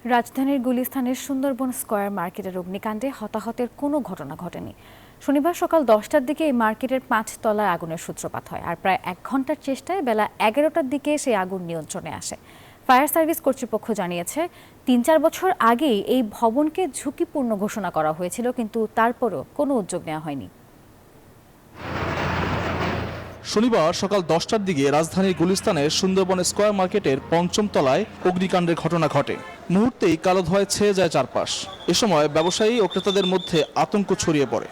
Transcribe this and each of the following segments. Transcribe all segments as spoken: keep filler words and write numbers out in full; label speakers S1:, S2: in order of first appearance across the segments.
S1: রাজধানীর গুলিস্তানের সুন্দরবন স্কয়ার মার্কেটের অগ্নিকাণ্ডে হতাহতের কোনো ঘটনা ঘটেনি। শনিবার সকাল দশটার দিকে এই মার্কেটের পাঁচ তলায় আগুনের সূত্রপাত হয়, আর প্রায় এক ঘন্টার চেষ্টায় বেলা এগারোটার দিকে সেই আগুন নিয়ন্ত্রণে আসে। ফায়ার সার্ভিস কর্তৃপক্ষ জানিয়েছে, তিন চার বছর আগেই এই ভবনকে ঝুঁকিপূর্ণ ঘোষণা করা হয়েছিল, কিন্তু তারপরও কোনো উদ্যোগ নেওয়া হয়নি।
S2: শনিবার সকাল দশটার দিকে রাজধানীর গুলিস্তানের সুন্দরবন স্কয়ার মার্কেটের পঞ্চম তলায় অগ্নিকাণ্ডের ঘটনা ঘটে। মুহূর্তেই কালো ধোঁয়ায় ছেয়ে যায় চারপাশ। এ সময় ব্যবসায়ী ও ক্রেতাদের মধ্যে আতঙ্ক ছড়িয়ে পড়ে।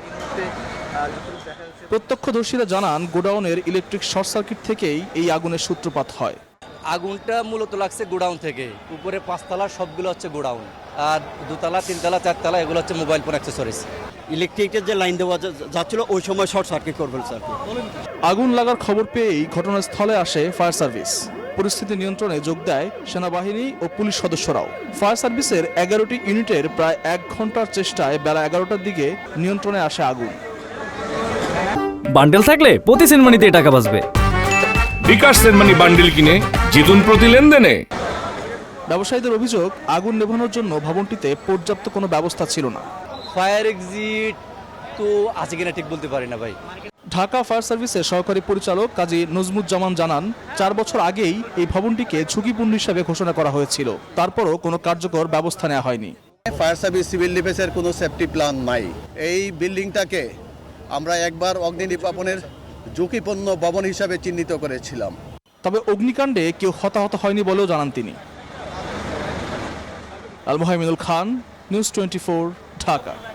S2: প্রত্যক্ষদর্শীরা জানান, গোডাউনের ইলেকট্রিক শর্ট সার্কিট থেকেই এই আগুনের সূত্রপাত হয়।
S3: আগুনটা মূলত লাগছে গোডাউন থেকে। উপরে পাঁচতলা সবগুলো হচ্ছে গোডাউন, আর দুতলা তিনতলা চারতলা এগুলো হচ্ছে মোবাইল ফোন অ্যাক্সেসরিজ।
S4: ইলেকট্রিকের যে লাইন দেওয়া যাচ্ছিল ওই সময় শর্ট সার্কিট করে ফেলছে।
S2: আগুন লাগার খবর পেয়েই ঘটনাস্থলে আসে ফায়ার সার্ভিস। পরিস্থিতি নিয়ন্ত্রণে যোগ দেয় সেনাবাহিনী ও পুলিশ সদস্যরাও। ফায়ার সার্ভিসের এগারোটি ইউনিটের প্রায় এক ঘন্টার চেষ্টায় বেলা এগারোটার দিকে নিয়ন্ত্রণে আসে আগুন।
S5: বান্ডেল থাকলে প্রতি সেনমানিতে টাকা বাঁচবে।
S6: বিকাশ সেনমানি বান্ডেল কিনে জিতুন প্রতি লেনদেনে।
S2: ব্যবসায়ীদের অভিযোগ, আগুন নেভানোর জন্য ভবনটিতে পর্যাপ্ত কোনো ব্যবস্থা ছিল না।
S3: ফায়ার এক্সিট তো আছে কিনা ঠিক বলতে পারি না ভাই।
S2: ঢাকা ফায়ার সার্ভিসের সহকারী পরিচালক কাজী নজমুজ্জামান জানান, চার বছর আগেই এই ভবনটিকে ঝুঁকিপূর্ণ হিসাবে ঘোষণা করা হয়েছিল, তারপরও কোনো কার্যকর ব্যবস্থা নেওয়া হয়নি।
S4: ফায়ার সার্ভিস সিভিল ডিফেন্সের কোনো সেফটি প্ল্যান নাই। এই বিল্ডিংটাকে আমরা একবার অগ্নি নির্বাপনের ঝুঁকিপূর্ণ ভবন হিসাবে চিহ্নিত করেছিলাম।
S2: তবে অগ্নিকাণ্ডে কেউ হতাহত হয়নি বলেও জানান তিনি। Al Mohaiminul Khan, news twenty four, Dhaka.